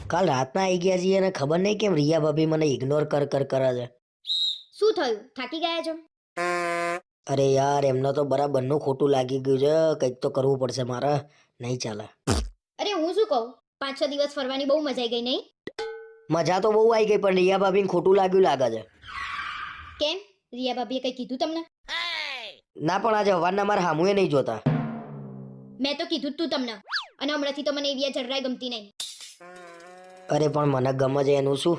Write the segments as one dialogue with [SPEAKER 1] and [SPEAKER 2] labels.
[SPEAKER 1] કાલ રાતના આવી ગયા છીએ અને ખબર નહીં કેમ રિયા ભાભી મને ઇગ્નોર કરે છે.
[SPEAKER 2] શું થયું? થાકી ગયા છો?
[SPEAKER 1] અરે યાર એમને તો બરાબરનું ખોટું લાગી ગયું છે. કંઈક તો કરવું પડશે મારે, નહીં ચાલે.
[SPEAKER 2] અરે હું શું કહું, 5-6 દિવસ ફરવાની બહુ મજા આવી ગઈ નહીં?
[SPEAKER 1] મજા તો બહુ આવી ગઈ પણ રિયા ભાભીને ખોટું લાગ્યું લાગે છે.
[SPEAKER 2] કેમ? રિયા ભાભીએ કંઈ કીધું તમને?
[SPEAKER 1] ના પણ આજે હવારના મારા હામુએ નહીં જોતા.
[SPEAKER 2] મેં તો કીધું જ તું તમને, અને હમણાંથી તો મને એવી જરાય ગમતી નહીં.
[SPEAKER 1] અરે પણ મને ગમે છે એનું શું?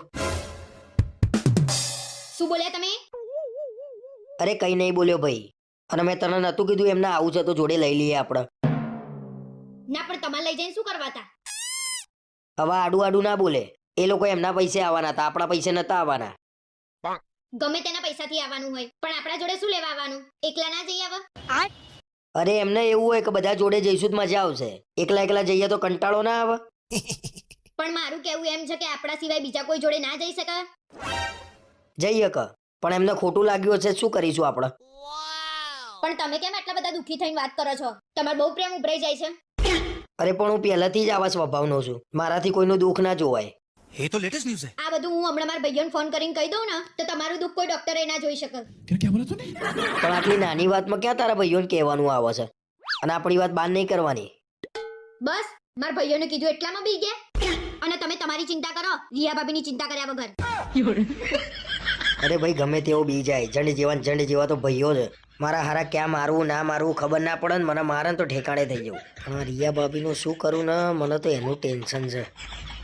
[SPEAKER 2] શું બોલ્યા તમે?
[SPEAKER 1] અરે કઈ નહીં બોલ્યો ભાઈ. અને મેં તને નતું કીધું એમને આવું છે તો જોડે લઈ લઈએ આપણે.
[SPEAKER 2] ના પણ તમારે લઈ જઈને શું કરવા હતા?
[SPEAKER 1] હવે આડું આડું ના બોલે. એ લોકો એમના પૈસે આવવાના હતા, આપણા પૈસે નતા આવવાના.
[SPEAKER 2] ગમે તેના પૈસાથી આવવાનું હોય પણ આપણા જોડે શું લેવા આવવાનું? એકલા ના જઈ આવા?
[SPEAKER 1] અરે એમને એવું હોય કે બધા જોડે જઈશું તો મજા આવશે. એકલા એકલા જઈએ તો કંટાળો ના આવે.
[SPEAKER 2] પણ મારું કહેવું એમ છે કે આપણા સિવાય બીજા કોઈ જોડે ના જઈ શકે.
[SPEAKER 1] જઈએ કે પણ એમને ખોટું લાગ્યું હશે, શું કરીશું આપણે?
[SPEAKER 2] પણ તમે કેમ આટલા બધા દુઃખી થઈને વાત કરો છો? તમારો બહુ પ્રેમ ઉભરાઈ જાય છે.
[SPEAKER 1] અરે પણ હું પહેલાથી જ આવા સ્વભાવનો છું. મારાથી કોઈનું દુઃખ ના જોવાય.
[SPEAKER 3] ये तो लेटेस्ट न्यूज़ है।
[SPEAKER 2] આ બધું હું હમણાં મારા ભાઈઓને ફોન કરીને કહી દઉં ને તો તમારું દુઃખ કોઈ ડોક્ટરે ના જોઈ શકે.
[SPEAKER 3] क्या बोला तूने?
[SPEAKER 1] પણ આટલી નાની વાતમાં ક્યાં તારા ભાઈઓને કહેવાનું આવે છે? અને આપણી વાત બહાર નહીં કરવાની.
[SPEAKER 2] બસ મારા ભાઈઓને કીધું એટલામાં બી ગયા. અને તમે તમારી ચિંતા કરો, રિયા ભાભીની ચિંતા કર્યા વગર.
[SPEAKER 1] અરે ભાઈ ગમે તેવો બી જાય, જંડ જેવા તો ભાઈઓ છે. મારા હારા ક્યાં મારવું ના મારવું ખબર ના પડે ને મને મારે ને તો ઠેકાણે થઈ જવું. પણ રિયા ભાભીનું શું કરું ને, મને તો એનું ટેન્શન છે.